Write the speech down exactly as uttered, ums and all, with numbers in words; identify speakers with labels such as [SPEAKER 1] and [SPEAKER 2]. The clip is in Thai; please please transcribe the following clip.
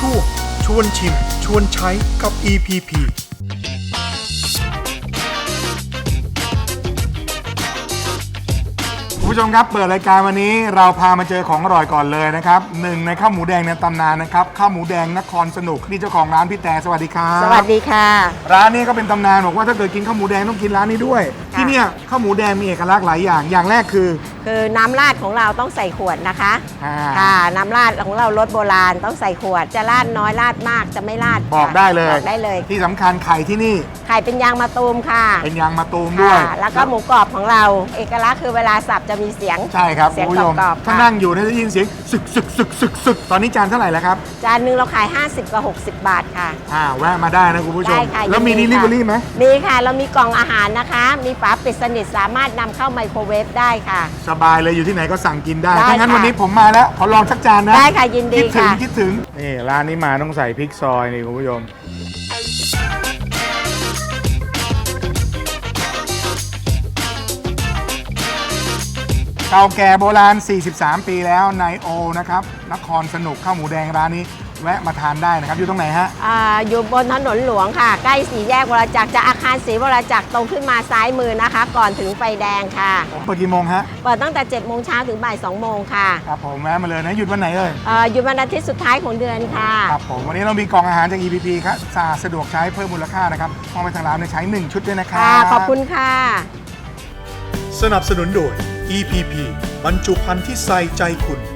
[SPEAKER 1] ช่วงชวนชิมชวนใช้กับ อี พี พี คุณผู้ชมครับเปิดรายการวันนี้เราพามาเจอของอร่อยก่อนเลยนะครับหนึ่งในข้าวหมูแดงในตำนานนะครับข้าวหมูแดงนครสนุกนี่เจ้าของร้านพี่แต่สวัสดีครับ
[SPEAKER 2] สวัสดีค่ะ
[SPEAKER 1] ร้านนี้ก็เป็นตำนานบอกว่าถ้าเกิดกินข้าวหมูแดงต้องกินร้านนี้ด้วยที่เนี่ยข้าวหมูแดงมีเอกลักษณ์หลายอย่างอย่างแรกคือ
[SPEAKER 2] คือน้ำราดของเราต้องใส่ขวดนะคะ
[SPEAKER 1] อ่า
[SPEAKER 2] ค่ะน้ำราดของเรารสโบราณต้องใส่ขวดจะราดน้อยราดมากจะไม่ราด
[SPEAKER 1] บอกได้เลย
[SPEAKER 2] บอกได้เลย
[SPEAKER 1] ที่สำคัญไข่ที่นี่
[SPEAKER 2] ไข่เป็นยางมะตูมค่ะ
[SPEAKER 1] เป็นยางมะตูมด้วย
[SPEAKER 2] ค่ะแล้วก็หมูกรอบของเรา เอกลักษณ์คือเวลาสับจะมีเสียง
[SPEAKER 1] ใช่ครับ
[SPEAKER 2] เสียง
[SPEAKER 1] คุณผู้ชม
[SPEAKER 2] กรอบๆ
[SPEAKER 1] ถ้า
[SPEAKER 2] ค่ะ
[SPEAKER 1] นั่งอยู่เนี่ยจะยินเสียงสึกสึกสึกสึกสึกตอนนี้จานเท่าไหร่แล้วครับ
[SPEAKER 2] จานหนึงเราขายห้าสิบกับหกสิบบาทค่ะ
[SPEAKER 1] อ่าแวะมาได้นะคุณผู้ชม
[SPEAKER 2] ได้ค่ะ
[SPEAKER 1] แล้วมี
[SPEAKER 2] ยิน
[SPEAKER 1] ดิ
[SPEAKER 2] ดี
[SPEAKER 1] ลิ
[SPEAKER 2] ค่ะ
[SPEAKER 1] เวอรี่ไหม
[SPEAKER 2] มีค่ะเรามีกล่องอาหารนะคะ มีฝาปิดสนิทสามารถนำเข้าไมโครเวฟได้ค่ะ
[SPEAKER 1] สบายเลยอยู่ที่ไหนก็สั่งกินได้
[SPEAKER 2] ได้
[SPEAKER 1] ถ้างั้น
[SPEAKER 2] ค่ะ
[SPEAKER 1] วันนี้ผมมาแล้วขอลองสักจานนะ
[SPEAKER 2] ได้ค่ะยินดี
[SPEAKER 1] คิดถึง
[SPEAKER 2] ค่ะ
[SPEAKER 1] คิดถึงนี่ร้านนี้มาต้องใส่พริกซอยนี่คุณผู้ชมเก่าแก่โบราณ สี่สิบสาม ปีแล้วนายโอนะครับนครสนุกข้าวหมูแดงร้านนี้แวะมาทานได้นะครับอยู่ตรงไหนฮะ
[SPEAKER 2] อ่าอยู่บนถนนหลวงค่ะ ใกล้สี่แยกวรจักรจากอาคารศรีวรจักรตรงขึ้นมาซ้ายมือนะคะ ก่อนถึงไฟแดงค่ะ
[SPEAKER 1] เปิดกี่โมงฮะ
[SPEAKER 2] เปิดตั้งแต่เจ็ดโมงเช้าถึงบ่ายสองโมงค่ะ
[SPEAKER 1] ครับผมแวะมาเลยนะหยุดวันไหนเอ่ย
[SPEAKER 2] เอ่อหยุดวันอาทิตย์สุดท้ายของเดือนค่ะ
[SPEAKER 1] ครับผมวันนี้เรามีกล่องอาหารจาก อี พี พี ครับสะอาดสะดวกใช้เพิ่มมูลค่านะครับมองไปทางร้านในใช้หนึ่งชุดด้วยนะครั
[SPEAKER 2] ค่ะ
[SPEAKER 1] บ
[SPEAKER 2] ขอบคุณค่ะ
[SPEAKER 1] สนับสนุนโดย อี พี พี บรรจุภัณฑ์ที่ใส่ใจคุณ